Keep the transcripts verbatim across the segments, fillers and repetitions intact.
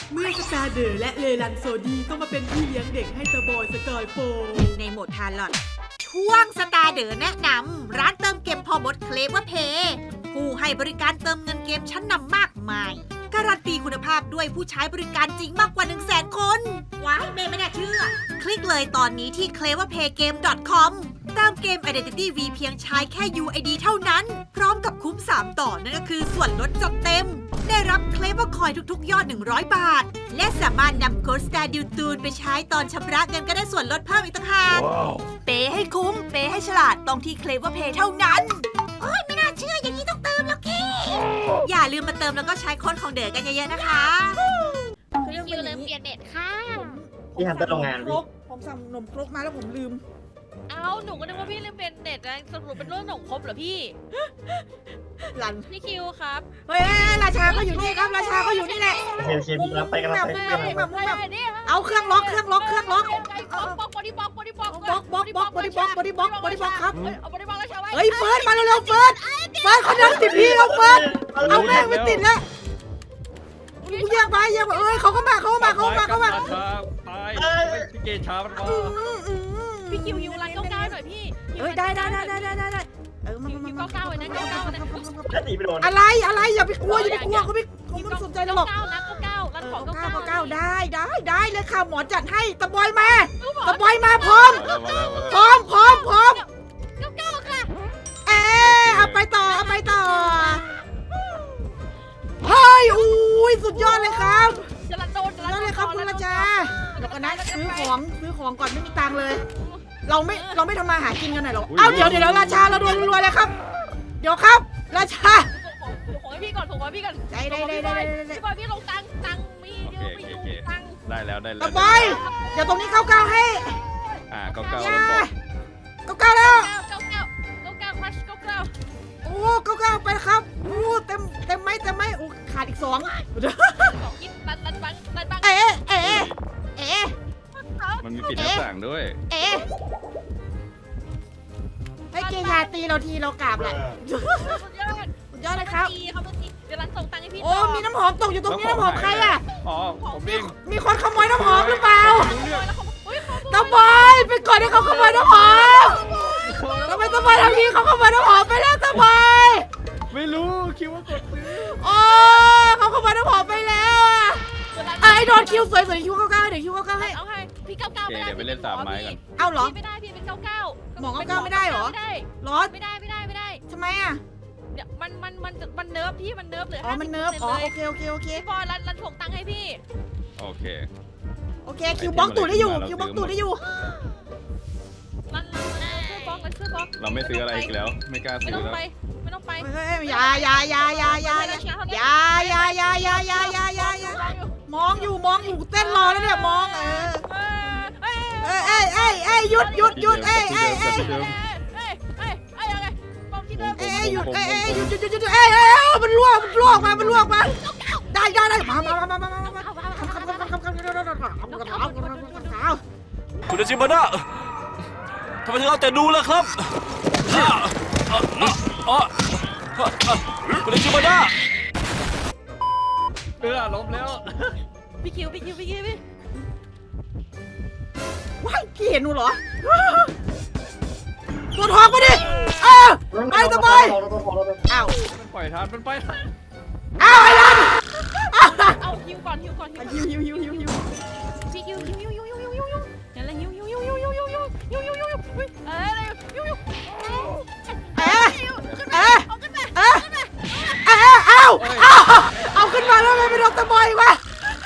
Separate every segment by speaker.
Speaker 1: เมื่อสตาร์เดอร์และเลลันโซดีต้องมาเป็นพี่เลี้ยงเด็กให้ตาบอยสกายโฟ
Speaker 2: ในโหมดทานลอดช่วงสตาร์เดอร์แนะนำร้านเติมเกมพอมดเคลเวอร์เพย์ผู้ให้บริการเติมเงินเกมชั้นนำมากมายการันตีคุณภาพด้วยผู้ใช้บริการจริงมากกว่า หนึ่งแสน คนว้ายเมย์ไม่น่าเชื่อ คลิกเลยตอนนี้ที่ เคลเวอร์เพย์เกม ดอท คอม เติมเกม Identity V เพียงใช้แค่ ยู ไอ ดี เท่านั้น พร้อมกับคุ้ม สาม ต่อนั่นก็คือส่วนลดจัดเต็ม ได้รับเคลเวอร์คอยทุกๆ ยอด หนึ่งร้อย บาท และสามารถนำโค้ด สตาร์ดิว ตูน ไปใช้ตอนชำระเงินก็ได้ส่วนลดเพิ่มอีกต่างหาก wow. เปย์ให้คุ้ม เปย์ให้ฉลาดต้องที่ เคลเวอร์เพย์ เท่านั้นโอ้ยไม่น่าเชื่ออย่างนี้ต้องเติมแล้วกี้อย่าลืมมาเติมแล้วก็ใช้โค้ดของเด๋อกันเยอะๆนะคะ
Speaker 3: พี่คิวลืมเปลี่ยนเน็ตค่ะ
Speaker 4: พี่ทำแต่โรงงาน
Speaker 1: คร
Speaker 4: พี่
Speaker 1: กผมสั่งนมครกมาแล้วผมลืม
Speaker 3: เอ้าหนูก็นึกว่าพี่ลืมเปลี่ยนเน็ตนะสรุปเป็นเรื่องของครบเหรอพี่
Speaker 1: หลัน
Speaker 3: พี่คิวครับ
Speaker 1: เฮ้ยราชาก็อยู่นี่ครับราชาก็อยู่นี่แหละ
Speaker 4: โอเคโอเคพี่รับไปกันรับไป
Speaker 1: มุ้ง
Speaker 4: กัน
Speaker 1: แบบ
Speaker 4: รับ
Speaker 1: มุ้ง
Speaker 4: ไป
Speaker 1: แบบมุ้งแบบ
Speaker 3: นี่
Speaker 1: เอาเครื่องล็อกเครื่องล็อกเครื่องล็อก
Speaker 3: บล็อกบล็อกบอดี้บล็อกบอดี้บล็อก
Speaker 1: บล็อกบล็อกบล็อกบอดี้บล็อกบอดี้บล็อกบอดี้บล็อกครับ
Speaker 3: เอาบอดี้บล็อกแล้วใช่ไหม
Speaker 1: เฮ้ยเฟิร์สมาเร็วๆเฟิร์สเฟิร์สเขาดันติดพี่เราเฟิร์สเอาแม่งไม่ติดแล้วกูแยกไปแยกไปเอ้ยเขาก็มาเขาก็มาเขาก็มาเขาก็มา
Speaker 5: ตายพี่เกชามันมา
Speaker 3: พี่คิวฮิวไลน์เก้าเก้าหน่อยพี่
Speaker 1: เอ้ยได้ได้ได้ได้ได้ได้เออมา
Speaker 3: ฮิว
Speaker 1: มา
Speaker 3: ฮิว
Speaker 1: มา
Speaker 3: เก้าเก้าไว้นะเก้าเก้าไว้นะ
Speaker 4: แล้วหนีไปโดน
Speaker 1: อะไรอะไรอย่าไปกลัวอย่าไปกลัวเขาไม่เขาไม่สนใจเราหรอก
Speaker 3: เก้านะเก้าเก้ารันของ
Speaker 1: เก้า
Speaker 3: เก้า
Speaker 1: เก้า
Speaker 3: เก้า
Speaker 1: เก้าได้ได้ได้เลยค่ะหมอจัดให้ตะบอยมาตะบอยมาพร้อมพร้อมพร้อมพร้อม
Speaker 3: เก้าเก้าค่ะ
Speaker 1: เอ๊ะเอาไปต่อเอาไปต่อเฮ้ยอุ้ยสุดยอดเลยครับ
Speaker 3: จะรันโดนจะ
Speaker 1: สุดยอดเลยครับคุณราชาเดี๋ยวก่อนนะซื้อของซื้อของก่อนไม่มีตังค์เลย เราไม่เราไม่ทำมาหากินกันหน่อยหรอเอ้าเดี๋ยวเดี๋ยวราชาเราโดนรวยเลยครับเดี๋ยวครับราชา
Speaker 3: ของให้พี่ก่อนของให้พี่ก่อน
Speaker 1: ได้ได้ได้ได้ได้
Speaker 3: พี่บอยพี่ลงตังตังมีเยอะไม่อยู่ตัง
Speaker 5: ได้แล้วได้แล้ว
Speaker 1: ตะบอยเดี๋ยวตรงนี้เก้าเก้าให้
Speaker 5: อ่าเก้าเก้า
Speaker 1: อย่า
Speaker 5: บอก
Speaker 1: เก้าเก้าแล้ว
Speaker 3: เก้าเก้าเก้าเก้าคลัชเก้าเก้า
Speaker 1: โอ้เก้าเก้าไปครับโอ้เต็มเต็มไหมเต็มไหมโอ้ขาดอีกสอง
Speaker 3: ของกินรันรันบังรันบัง
Speaker 1: เอ๊ะเอ๊ะเอ๊ะ
Speaker 5: มันมีปิดหน้าต่างด้วย
Speaker 1: เอ๊ะให้เกียาตีเราทีเรากราบแหละ
Speaker 3: สุดยอด
Speaker 1: สุดยอดเลยครับ
Speaker 3: เขาเป็นตีเดี๋ยวรันส่งตังค์ให้พี่
Speaker 1: โอ้มีน้ำหอมตกอยู่ตรงนี้น้ำหอมใครอ่ะ
Speaker 5: อ๋อผมเอง
Speaker 1: มีคนขโมยน้ำหอมหรือเปล่าตะบอยไปก่อนให้เขาขโมยน้ำหอมทำไมตะบอยทำนี้เขาขโมยน้ำหอมไปแล้วตะบอย
Speaker 5: ไม่รู้คิดว่ากดซื้อ
Speaker 1: โอ้เขาขโมยน้ำหอมไปแล้วอ่ะไอ้โดนคิวสวยสวยคิวเก้าเก้าเดี๋ยวคิวเก้าเก้าให้
Speaker 3: เอาให้พี่เก้าเก้า
Speaker 5: โอเค
Speaker 3: ไม่ได้
Speaker 5: เดี๋ยวไปเล่นสามไม้ก่อน
Speaker 1: เอาเหรอ
Speaker 3: ไม่ได้พี่เป็นเก้าเก้า
Speaker 1: หมอเก้าเก้าไม่ได้เหรอ
Speaker 3: ไม่ได้
Speaker 1: รอด
Speaker 3: ไม่ได้ไม่ได้ไม่ได้
Speaker 1: ทำไมอ่ะ
Speaker 3: เดี๋ยวมันมันมันมันเนิร์ฟพี่มันเนิร์ฟเลย
Speaker 1: อ๋อมันเนิร์ฟอ๋อโอเคโอเคโอเค
Speaker 3: พี่บอยรันรันส่งตังค์ให้พี่
Speaker 5: โอเค
Speaker 1: โอเคคิวบล็อกตูดได้อยู่คิวบล็อกตูดได้อยู่
Speaker 3: รันรันช่วยบล็อกรันช่วยบล็อก
Speaker 5: เราไม่ซื้ออะไรอีกแล้ว ไม่กล้า
Speaker 3: ไม่
Speaker 5: ซื้อ
Speaker 3: ต้อง
Speaker 5: แล้ว
Speaker 3: ไปไม่ต้องไป
Speaker 1: เฮ้ยอย่าอย่าอย่าอย่าอย่าอย่าอย่าอย่าอย่าอย่าอย่าอย่าอย่าอย่ามองอยู่มองอยู่เต้นรอแล้วเนี่ยมองเออเอ้ยเอ้ยเอ้ยเอ้ยหยุดหยุดหยุดเอ้ยเอ้ยเอ้ย
Speaker 3: เอ้ยเอ้ยเอ้ยเอ้ยอะไรบอมที่เดิม
Speaker 1: เอ้ยหยุดเอ้ยเอ้ยหยุดหยุดหยุดหยุดเอ้ยเอ้ยมันล่วงมันล่วงมามันล่วงมาได้ได้ได้มามามามามามาคำคำคำคำคำคำคำคำคำคำคำ
Speaker 6: คุณอาชิมานะทำไมถึงเอาแต่ดูล่ะครับอ่ะอ่ะอ่ะอ่ะอ่ะคุณอาชิมานะ
Speaker 5: เออล้มแล้ว
Speaker 3: พี่คิวพี่คิวพี่คิวพี่
Speaker 1: ว้ายพี่เห็นหนูเหรอตัวทองมาดิเออไปสบายอ้าว
Speaker 5: มันปล่อยทันมันไปทัน
Speaker 1: อ้าวไอ้ลัน
Speaker 3: เอาฮิวก่อนฮิวก่อนฮิว
Speaker 1: หิวหิวหิวหิวหิว
Speaker 3: พี่ฮิวฮิวฮิวฮิวฮิวฮิวฮิวฮิวนั่นแหละฮิวฮิวฮิวฮิวฮิวฮิวฮิวฮิวฮิวฮิวฮิวเอ้ยฮิวฮิว
Speaker 1: เอ๊ะ
Speaker 3: ขึ้นมา
Speaker 1: เอ๊ะ
Speaker 3: เอาขึ้นมา
Speaker 1: เอ๊ะเอ๊ะเอาเอาเอาขึ้นมาแล้วไม่โดนตะบอยวะ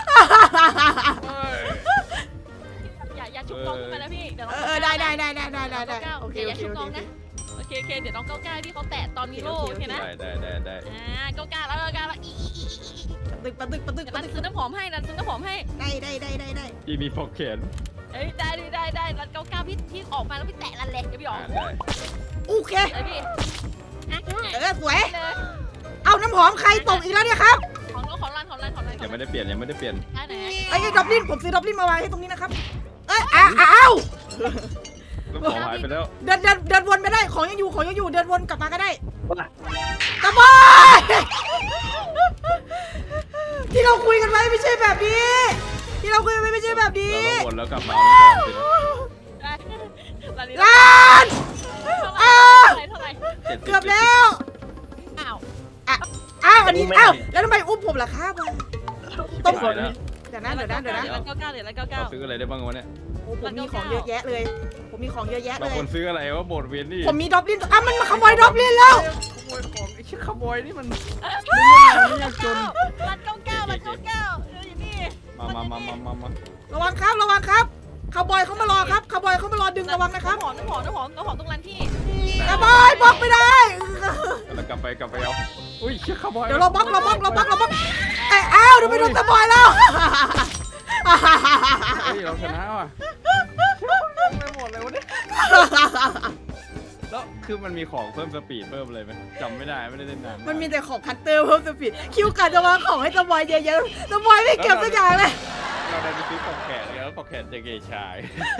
Speaker 3: อย่าอย่าชุบน้องขึ้นมานะพี่เดี๋ยวน้อง
Speaker 1: เออได้ได้ได้ได้ได้ได้ได้โอเค
Speaker 3: อ
Speaker 1: โอย่
Speaker 3: า
Speaker 1: เค
Speaker 3: ชุบ
Speaker 1: โอ
Speaker 3: น้อง
Speaker 1: เค
Speaker 3: นะโอเคโอเคเดี๋ยวน้องเก้าเก้าพี่เขาแตะตอนมีโล่โอเคนะ
Speaker 5: ได้ได้ได้ได้
Speaker 3: อ่าเก้าเก้าแล้วเก้าเก้าแล้วอีอีอี
Speaker 1: ตึกปะตึกปะตึก
Speaker 3: เดี๋ยว
Speaker 1: ปะ
Speaker 3: รัน
Speaker 1: ตึก
Speaker 3: ซื้อน้ำหอมให้รันซื้อน้ำหอมให้
Speaker 1: ได้ได้ได้ได้ได้
Speaker 5: พี่มีปอกเขน
Speaker 3: เอ้ยได้ได้ได้รันเก้าเก้าพี่พี่ออกมาแล้วพี่แตะรันเลยเดี๋ยวพี่ออก
Speaker 5: อ่าได้
Speaker 1: โอเค
Speaker 3: เลยพี่อ่ะ
Speaker 1: เออสวย
Speaker 3: เลย
Speaker 1: เอาน้ำหอมใครตกอีกแล้วเนี่ยครับ
Speaker 3: ของน้องของรันของรันของรัน
Speaker 5: ยังไม่ได้เปลี่ยนยังไม่ได้เปลี่ยน
Speaker 3: ได้ไหน
Speaker 1: ไอ้ดับลินผมซื้อดับลินมาไว้ให้ตรงนี้นะครับเอ้ยอ้าวอ้าว
Speaker 5: แล้วของหายไปแล้ว
Speaker 1: เดินเดินเดินวนไปได้ของยังอยู่ของยังอยู่เดินวนกลับมาก็ได้
Speaker 4: ว่า
Speaker 1: ตะบอยที่เราคุยกันไว้ไม่ใช่แบบนี้ ที่เราคุยกันไว้ไม่ใช่แบบนี้
Speaker 5: เราต้องวนแล้วกลับมาเอาของสินะ
Speaker 3: ลาลิ
Speaker 1: ลาน
Speaker 3: เท่าไหร่เท่าไหร่
Speaker 5: จ็ดสิ
Speaker 1: เกือบแล้ว
Speaker 3: อ้าว
Speaker 1: อ้าวอันนี้อ้าวแล้วทำไมอุ้มผมล่ะครับต้อง
Speaker 5: ตายแล้ว
Speaker 1: เดี๋ยวนะเดี๋ยวนะเดี๋ยวนะ
Speaker 3: เดี๋ยวละเก้าเก้าเดี๋ยวละเก้าเก้า
Speaker 5: เราซื้ออะไรได้บ้างวะเนี่ย
Speaker 1: โอ้ผมมีของเยอะแยะเลย ผมมีของเยอะแยะ
Speaker 5: เรา
Speaker 1: เลย
Speaker 5: ควรซื้ออะไรวะโบดเวียนนี่
Speaker 1: ผมมีดอบลินอ่ะมันมาขโมยดอบลินแล้ว
Speaker 5: ขโมยของไอ้ชิขโมยนี่มันไม่เรื่องอะไรเนี่ยจน
Speaker 3: ละเก้าเก้าละเก้าเก้าเอออยู่นี่
Speaker 5: มามามามามามา
Speaker 1: ระวังครับระวังครับคาวบอยเขามารอครับคาวบอยเขามารอดึงระวังนะครับ
Speaker 3: น้ำหอมน้ำหอมน้ำหอมน้ำหอมตรงร้านที่
Speaker 1: คาวบอยบล็อกไม่ได้
Speaker 5: แล้วกลับไปกลับไปเอาอุ้ยชิขโมย
Speaker 1: เดี๋ยวเราบล็อกเราบล็อกเราบล็อกเราบล็อกไอ้อ้าวเดี๋ยวไปโดนสปอยแล้ว
Speaker 5: เฮ้ยเราชนะว่ะไม่หมดเลยวะเนี่ยแล้วคือมันมีของเพิ่มสปีดเพิ่มอะไรไหมจำไม่ได้ไม่ได้เล่นนาน
Speaker 1: มันมีแต่ของคัตเตอร์เพิ่มสปีดคิวการจะวางของให้สปอยเยอะๆสปอยไม่เก็บสักอย่างเลย
Speaker 5: เราได้ไปซื้อของแขนแล้วของแขนจะเกยชาย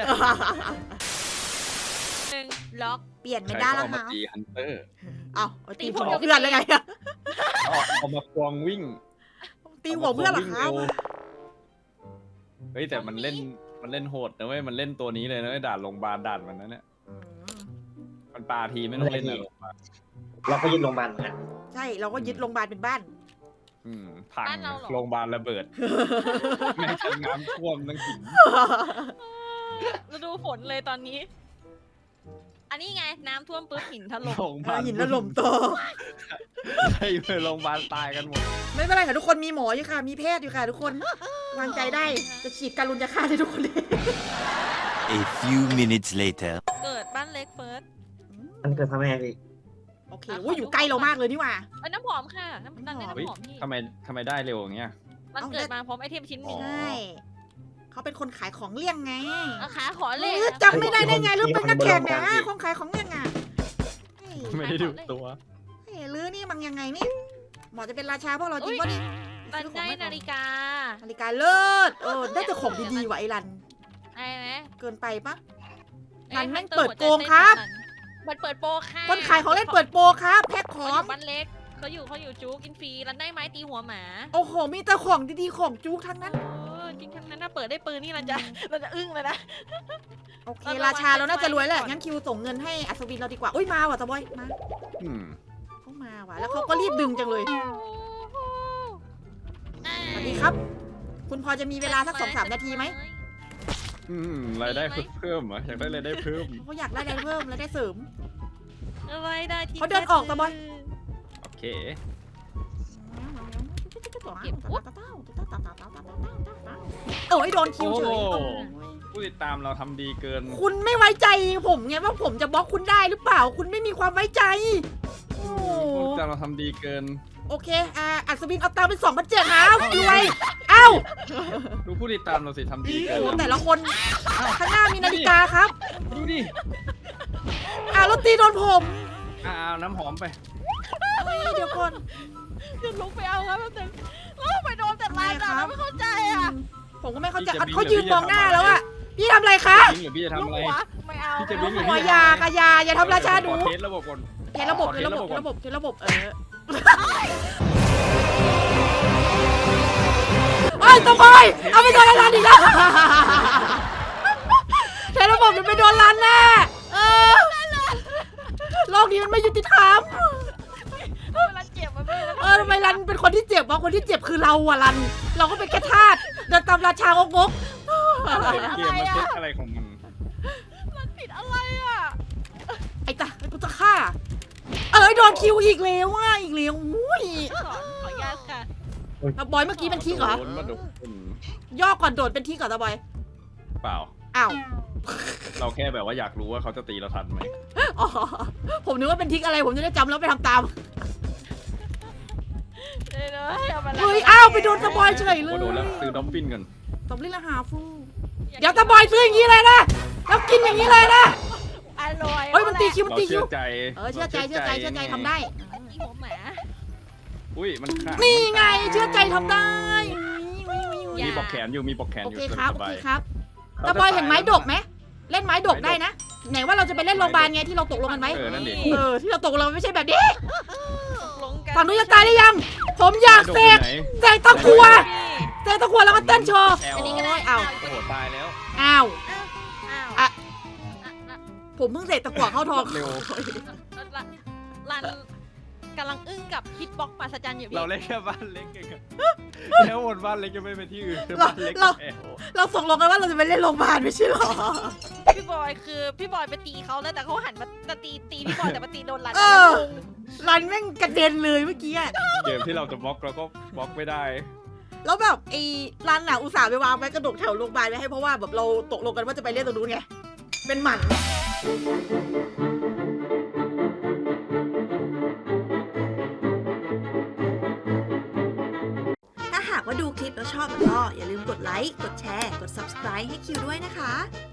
Speaker 3: หนึ่งล็อก
Speaker 1: เปลี่ยนไม่
Speaker 5: ใคร
Speaker 1: ได้
Speaker 5: ก็
Speaker 1: แล้ว
Speaker 5: เอามา
Speaker 1: ค่ะ
Speaker 5: ตีฮันเตอร์
Speaker 1: เอาเอาตีหัวเพื่อนเลยไง
Speaker 5: เอาเอามาควงวิ่ง
Speaker 1: ตีหัวเพื่อนเหรอครับ
Speaker 5: เฮ้ยแต่มันเล่นมันเล่นโหดนะเว้ยมันเล่นตัวนี้เลยนะเว้ยด่านโรงพยาบาลด่านมันนั้นเนี่ยมันปาทีไม่ต้องเล่นนะโรงพยาบาล
Speaker 4: เราก็ยึดโรงพยาบาลเหมือนกัน
Speaker 1: ใช่เราก็ยึดโรงพยาบาลเป็นบ้าน
Speaker 5: อืมพังโรงพยาบาลระเบิดแม่งจะน้ำท่วมทั้งหิน
Speaker 3: เราดูฝนเลยตอนนี้ อันนี้ไงน้ำท่วมปุ๊บหินถล่ม
Speaker 5: โรงพยาบาล
Speaker 1: หินถล่มโต
Speaker 5: ให้ไปโรงพยาบาลตายกันหมด
Speaker 1: ไม่เป็นไรค่ะทุกคนมีหมออยู่ค่ะ มีแพทย์อยู่ค่ะทุกคนวางใจได้จะฉีดการุญยาฆ่าให้ทุกคนเลย
Speaker 7: A few minutes later.
Speaker 3: เกิดบ้านเล็กเฟิร์ส
Speaker 4: มันเกิดทำไมพี่
Speaker 1: โอเคโอ้ยอยู่ใกล้เรามากเลยนี่หว่า
Speaker 3: เอ้ยน้ำหอมค่ะน้ำตาลได้
Speaker 5: เฮ้ย
Speaker 3: น้ำหอมพี่
Speaker 5: ทำไมทำไมได้เร็วอย่างเงี้ย
Speaker 3: มันเกิดมาพร้อมไอเทมชิ้นห
Speaker 5: อ๋
Speaker 3: นึ่
Speaker 5: อ
Speaker 3: ง
Speaker 1: ใช่เขาเป็นคนขายของเลี่ยงไง
Speaker 3: เอาขาขอ
Speaker 1: เอ
Speaker 3: เลย
Speaker 1: อจำไม่ได้ได้ไงหรือเป็นนักแข่งนะคนขายของเลี่ยงอ่ะเฮ้ย
Speaker 5: ไม่ได้ดูตัว
Speaker 1: เฮ้ยลือนี่มันยังไงนี่หมอจะเป็นราชาพวกเราจริงป่ะนี่
Speaker 3: ตันได้นาฬิกา
Speaker 1: นาฬิกาเลิศเออได้แต่ของดีๆว่ะไอ้รัน
Speaker 3: ไอ้ไหม
Speaker 1: เกินไปปะ
Speaker 3: อ้
Speaker 1: มันแม่ง
Speaker 3: ฮัตอ
Speaker 1: เปิด
Speaker 3: หัวใจ
Speaker 1: โกงครับ
Speaker 3: มันเปิดโปรค่ะ
Speaker 1: คนขายของเล่นเปิดโปรครับแพ็คข
Speaker 3: เขา
Speaker 1: อ
Speaker 3: อง ยู่บ้านเล็กเขาอยู่เขาอยู่จูกินฟรีรันได้ไม้ตีหัวหมา
Speaker 1: โอ้โหมีแต่ของดีๆของจุกทั้งนั้น
Speaker 3: เออจริงทั้งนั้นถ้าเปิดได้ปืนนี่รันจะรันจะอึ้งเลยนะ
Speaker 1: โอเค
Speaker 3: เราระวัง
Speaker 1: ราชาเราน่าจะรวยแหละ
Speaker 3: ก่อน
Speaker 1: งั้นคิวส่งเงินให้อัศวินเราดีกว่าอุ้ยมาว่ะตะบอยมา
Speaker 5: อืม
Speaker 1: เขามาว่ะแล้วเขาก็รีบดึงจังเลยสวัสดีครับ คุณพอจะมีเวลาสักสองสามนาทีไหม
Speaker 5: อืมรายได้เพิ่มเหรออยากได้รายได้เพิ่ม
Speaker 1: เขาอยากได้อะไรเพิ่มแล้วได้เสริม
Speaker 3: อะไรได้ที่
Speaker 1: เขาเดินออกตะบอย
Speaker 5: โอเค
Speaker 1: เอ้ยโดนคิวเฉย
Speaker 5: โอ้
Speaker 1: โอ้ย
Speaker 5: ผู้ติดตามเราทำดีเกิน
Speaker 1: คุณไม่ไว้ใจผมไงว่าผมจะบล็อกคุณได้หรือเปล่า คุณไม่มีความไว้ใจโอ้
Speaker 5: ผู้ติดตามเราทำดีเกิน
Speaker 1: โอเคอ่าอัศวินเอาตังค์เป็นสองพันเจ็ดนะรวยเอ้า
Speaker 5: ดูผู้ติดตามเราสิทำดีเกิ
Speaker 1: โอ้
Speaker 5: น
Speaker 1: แต่ละคนข้างหน้ามีนาฬิกาครับ
Speaker 5: ดูดิ
Speaker 1: อ่าแล้วตีโดนผม
Speaker 5: อ่าเอาน้ำหอมไป
Speaker 1: เฮ้ยเดี๋ยวก่อน
Speaker 3: จะลุกไปเอาครับแป๊บนึงแล้วไปโดนแต่ลายด่าไม่เข้าใจอ่ะ
Speaker 1: ผมก็ไม่เข้าใจ
Speaker 5: พี่จะ
Speaker 1: เขายืนมองหน้าแล้วอะพี่ทำอะไรคะ
Speaker 5: จริงหรือพี่จะทำ
Speaker 3: ลูก
Speaker 5: อะไร
Speaker 3: หัวไม่เอา
Speaker 5: พี่จะ
Speaker 3: ไม่
Speaker 5: วิ่ง
Speaker 3: เอา
Speaker 5: หรือ
Speaker 1: หัวยากะยาอย่าทำราชาดู
Speaker 5: ขอเทสระบบก่อน
Speaker 1: เทระบบ
Speaker 5: ขอ
Speaker 1: เท
Speaker 5: เทส
Speaker 1: ระบบ
Speaker 5: ก่อน
Speaker 1: ระบบเทระบบเออไอ้ยตะบอยเอาไปโดนร้านอีกแล้วเทระบบมันไปโดนร้านแน่เออโลกนี้มันไม่ยุติธรรม
Speaker 3: เวลาเจ็บมันไม่
Speaker 1: เออทำไมรันเป็นคนที่เจ็บวะคนที่เจ็บคือเราอะรัน เราก็เป็นแค่ทาสเดินตามราชางกงก
Speaker 5: เกมมันเช็คอะไรของมัน
Speaker 3: มันผิดอะไรอ่ะ
Speaker 1: ไอ้ตาไอ้กูจะฆ่า เอ้ยโดนคิวอีกแล้วว่ะอีกแล้วอุ้ย
Speaker 3: สอนขออนุญาตค่ะ
Speaker 1: ตาบอยเมื่อกี้เป็นทิกเหรอ
Speaker 5: โดนมาโดน
Speaker 1: ย่อก่อนโดดเป็นทิกเหรอตาบอย
Speaker 5: เปล่า
Speaker 1: อ้าว
Speaker 5: เราแค่แบบว่าอยากรู้ว่าเขาจะตีเราทันไหม
Speaker 1: อ๋อผมนึกว่าเป็นทิกอะไรผมจะได้จำแล้วไปทำตาม
Speaker 3: เอ้ยเอามาละ
Speaker 1: เฮ้ยอ้าวไปโดนตาบอยเฉยเล
Speaker 5: ก็
Speaker 1: ย
Speaker 5: โดนแล้วซื้อดอฟฟินกัน
Speaker 1: ตบลิ้นละหาฟูเดี๋ยวตาบอยซื้ออย่างนี้เลยนะแล้วกินอย่างนี้เลยนะ
Speaker 3: อร่อย
Speaker 1: เฮ้ยมันตีคิวมัน
Speaker 5: เรา
Speaker 1: ตีคิ
Speaker 5: เชื่
Speaker 1: ว
Speaker 5: อใจ
Speaker 1: เออเชื่อใจเชื่อใจเชื่อใจทำได้
Speaker 3: ตีหัวหมา
Speaker 5: อุ้ยมันขาด
Speaker 1: นี่ไงเชื่อใจทำได้
Speaker 5: มีปอกแขนอยู่มีปอกแขน
Speaker 1: โอ
Speaker 5: อยู่
Speaker 1: เค
Speaker 5: ส
Speaker 1: ครับโอ
Speaker 5: บา
Speaker 1: เค
Speaker 5: ย
Speaker 1: ครับตาบอยเห็นไม้ดกไหมเล่นไม้ดกได้นะไหนว่าเราจะไปเล่นโรงพยาบาลไงที่เราตกลงกันไว้
Speaker 5: เออนั่นดิ
Speaker 1: เออที่เราตกลงไม่ใช่แบบนี้
Speaker 3: ตกลง
Speaker 1: ฝั่งนู้นจะตายได้ยัง ผมอยากเสกเสกตะกัวเสกตะกัวแล้วก็เต้นโชว์
Speaker 5: แอล
Speaker 3: อันนี้ก็ได้
Speaker 1: อ้าว
Speaker 5: โอ้โหตายแล้ว
Speaker 1: อ้าว
Speaker 3: อ้าว
Speaker 1: อ่ะ
Speaker 3: อ่ะอ่ะ
Speaker 1: ผมเพิ่งเสกตะกัวเข้าทอง
Speaker 5: เร็ว
Speaker 3: รันรันกำลังอึ้งกับฮิตบ็อกซ์มหัศจรรย์อยู่พี่
Speaker 5: เราเล่นแค่บ้านเล็กเองอะแล้ววนบ้านเล็กจะไม่ไปที่อื่นคือ
Speaker 1: เรา
Speaker 5: บ้านเล็ก
Speaker 1: เรา
Speaker 5: แอล
Speaker 1: เราส่งลงกันว่าเราจะไปเล่นโรงพยาบาลไม่ใช่หรอ
Speaker 3: พี่บอยคือพี่บอยไปตีเขาแล้วแต่เขาหันมาจะตีตีพี่บอยแต่มาตีโดนรัน
Speaker 1: เออ รันแม่งกระเด็นเลยเมื่อกี้อะ
Speaker 5: เกมที่เราจะบล็อกเราก็บล็อกไม่ได้
Speaker 1: แล้วแบบไอ้รันน่ะอุตส่าห์ไปวางไว้กระดกแถวโรงพยาบาลไว้ให้เพราะว่าแบบเราตกลงกันว่าจะไปเล่นตรงนู้นไง เป็นหมัน
Speaker 2: ถ้าหากว่าดูคลิปแล้วชอบก็อย่าลืมกดไลค์ กดแชร์ กด ซับสไครบ์ ให้คิวด้วยนะคะ